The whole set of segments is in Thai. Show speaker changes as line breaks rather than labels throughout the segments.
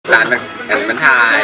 ร้านมันถ่าย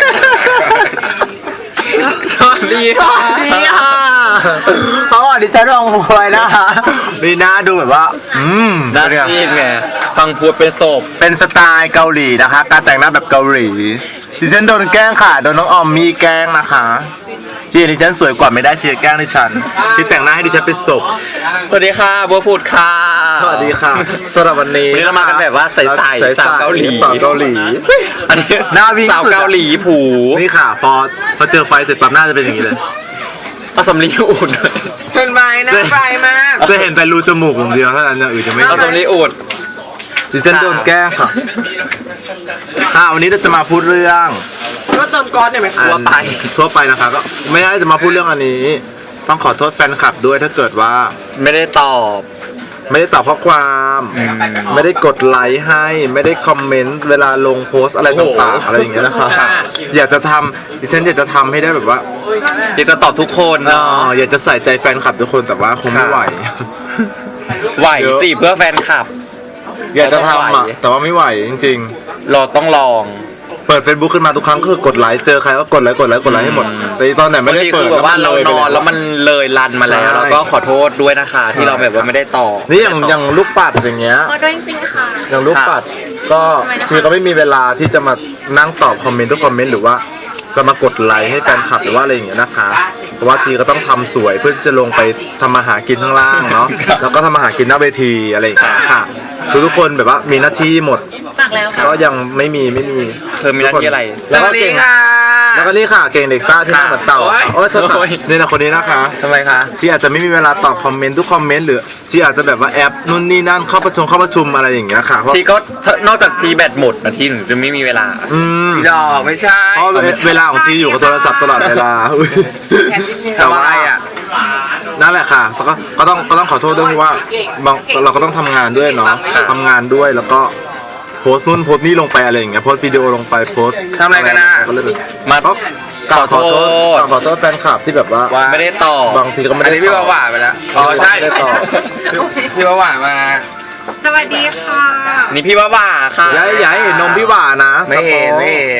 สวัสดีค่ะ
เพราะว่าดิฉันลองมวยนะคะมีหน้าดูแบบว่า
น่าซีดไงฟังพูดเป็นศพ
เป็นสไตล์เกาหลีนะคะการแต่งหน้าแบบเกาหลีดิฉันโดนแกล้งค่ะโดนน้องออมมีแกล้งนะคะที่ดิฉันสวยกว่าไม่ได้เชียร์แกล้งดิฉันชี้แต่งหน้าให้ดิฉันเป็นศพ
สวัสดีค่ะบัวพูดค่ะ
สวัสดีค่ะสำหรับวันนี้
เรามากันแบบว่าใสๆสาวเกาหลีอันนี้
หน้าวิ่ง
สาวเกาหลีผู
นี่ค่ะพอเจอไฟเสร็จปั๊บหน้าจะเป็นอย่างนี้เลย
เอาสำลีอุ่น
เห็นไหมหน้าไฟมาก
จะเห็นแต่รูจมูกอย่างเดียวเท่านั้นอย่างอื่นจะไม่
เอาสำลีอุ่น
ดิฉันโดนแกล้งค่ะวันนี้เราจะมาพูดเรื่อง
ก็เติมก๊อซเนี่ยไหม
ทั่วไปนะคะก็ไม่ได้จะมาพูดเรื่องอันนี้ต้องขอโทษแฟนคลับด้วยถ้าเกิดว่า
ไม่ได้ตอบ
ข้อความไม่ได้กดไลค์ให้ไม่ได้คอมเมนต์เวลาลงโพสอะไรต่างๆอะไรอย่างเงี้ยนะคะอยากจะทำดิฉันอยากจะทำให้ได้แบบว่า
อยากจะตอบทุกคน
อยากจะใส่ใจแฟนคลับทุกคนแต่ว่าคงไม่ไหว
สิเพื่อแฟนคลับ
อยากจะทำแต่ว่าไม่ไหวจริง
ๆเราต้องลอง
เปิด Facebook ขึ้นมาทุกครั้งคือกดไลค์เจอใครก็กดไลค์ให้หมดแต่ตอนไหนไม่ได้เปิด
แบบว่าเรานอนแล้วมันเลยรันมาแล้วเราก็ขอโทษด้วยนะคะที่เราแบบว่าไม่ได้ต่อ
นี่อย่างลูกปัดอย่างเงี้ย
ขอโทษจริงๆค่ะ
อย่างลูกปัดก็ชีก็ไม่มีเวลาที่จะมานั่งตอบคอมเมนต์ทุกคอมเมนต์หรือว่าจะมากดไลค์ให้แฟนคลับหรือว่าอะไรอย่างเงี้ยนะคะเพราะว่าจีก็ต้องทำสวยเพื่อที่จะลงไปทำมาหากินข้างล่างเนาะแล้วก็ทำมาหากินหน้าเวทีอะไรอย่างเงี้ยค่ะทุกคนแบบว่ามีหน้าที่หมดก็ยังไม่มี
เธอมีหน้าที่อะไร
สวัสดีค่ะ
แล้วก็นี่ค่ะเก่งเด็กซ่าที่หน้าเหมือนเต่าโอ้ยนี่นะคนนี้นะคะ
ทำไมคะ
จีอาจจะไม่มีเวลาตอบคอมเมนต์ทุกคอมเมนต์หรือจีอาจจะแบบว่าแอปนู่นนี่นั่นเข้าประชุมอะไรอย่างเงี้ยค่ะ
จีก็นอกจากจีแบตหมดนะที่หนูจะไม่มีเวลา
ดอกไม่ใช่
เพราะเวลาของจีอยู่กับโทรศัพท์ตลอดเวลา
แต่ว่า
นั่นแหละค่ะก็ต้องขอโทษด้วยเพราะว่าเราก็ต้องทำงานด้วยเนาะทำงานด้วยแล้วก็โพสต์นู่นโพสต์นี่ลงไปอะไรอย่างเงี้ยโพสต์วิดีโอลงไปโพสต์
ทำอะไรกันนะ
มา
ขอโทษแฟนคลับที่แบบว่า
ไม่ได้ตอบบ
างทีก็ไม่ได้
พี่ว่าไปแล้วใช่พี่ว่ามา
สวัสดีค่ะ
นี่พี่ว่าค่ะ
อย่าให้เห็นนมพี่ว่านะ
ไม่เห็น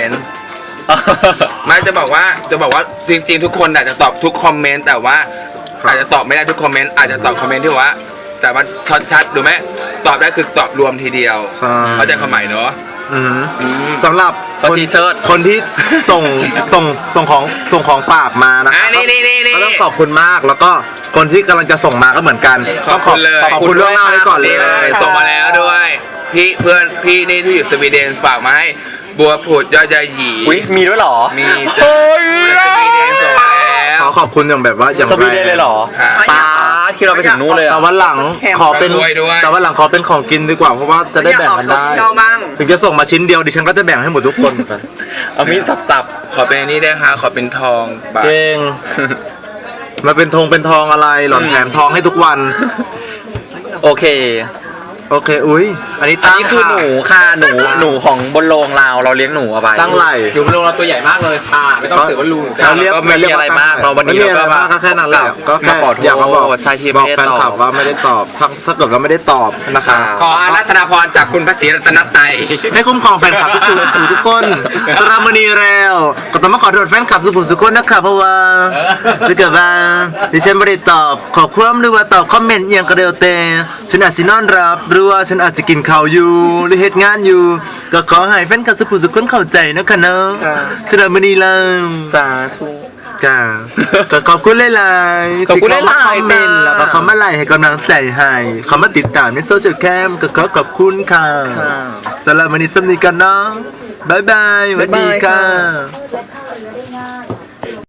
ไม่จะบอกว่าจริงๆทุกคนอาจจะตอบทุกคอมเมนต์แต่ว่าอาจจะตอบไม่ได้ทุกคอมเมนต์อาจจะตอบคอมเมนต์ที่ว่าแต่มันชัดดูไหมตอบได้คือตอบรวมทีเดียวเข้าใจความหมายเนาะ
สำหรับคนที่ส่งของฝากมานะครับก็ต้องขอบคุณมากแล้วก็คนที่กำลังจะส่งมาก็เหมือนกัน
ขอบ
คุณล่วงหน้าไว้ก่อนเลย
ส่งมาแล้วด้วยเพื่อนพี่นี่ที่อยู่สวีเดนฝากมาให้บัวผุดยอดยาหยี
มีด้วยหรอ
มีสวีเดนส่งมาแล้ว
ขอบคุณอย่างแบบว่าอย่าง
สวีเดนเลยหรอป้าที่เราไปถึงนู้นเลย
แต่วันหลังขอเป็นของกินดีกว่าเพราะว่าจะได้แบ่งกันได้ถึงจะส่งมาชิ้นเดียวดิฉันก็จะแบ่งให้หมดทุกคนกัน
เอามีสับ
ขอเป็นนี่ได้ค่ะขอเป็นทอง
เก่งมาเป็นทองอะไรหล่อนแถมทองให้ทุกวัน
โอเค
อุ้ยอันนี้
คือหนูค่ะหนูของบนโรงเราเลี้ยงหนูเอาไป
ตั้งไหล
อยู่บนโรงเราตัวใหญ่มากเลยค่ะไม่ต้องเสือว่าลู
เราเรียกไม่มีอะไรมากเราวันนี้
ก็แค่นั้นแหละก็แค่อยากมาบอกแฟนคลับว่าไม่ได้ตอบถ้าเกิดว่าไม่ได้ตอบนะคะ
ขออารัตนาพรจากคุณพระศรีรัตนตรัย
ให้คุ้มครองแฟนคลับทุกคนสรามณีแล้วก็ต้องมาขอโทษแฟนคลับทุกคนนะคะเพราะว่าถ้าเกิดว่าดิฉันไม่ได้ตอบขอความหรือว่าตอบคอมเมนต์อย่างกระเดียวเตะฉันอาจสินอนรับหรือว่าฉันอาจจะกินข้าวอยู่หรือเหตุงานอยู่ก็ขอให้แฟนคลับทุกคนเข้าใจนะคะเนาะสรามณีแล้ว
สาธุ
ก็ขอบคุณหลายๆที่เขามาคอมเมนต์แล้วก็เขามาไลค์ให้กำลังใจให้เขามาติดตามในโซเชียลแคมก็ขอบคุณค่ะสรามณีสำนีกันเนาะบ๊ายบายสวัสดีค่ะ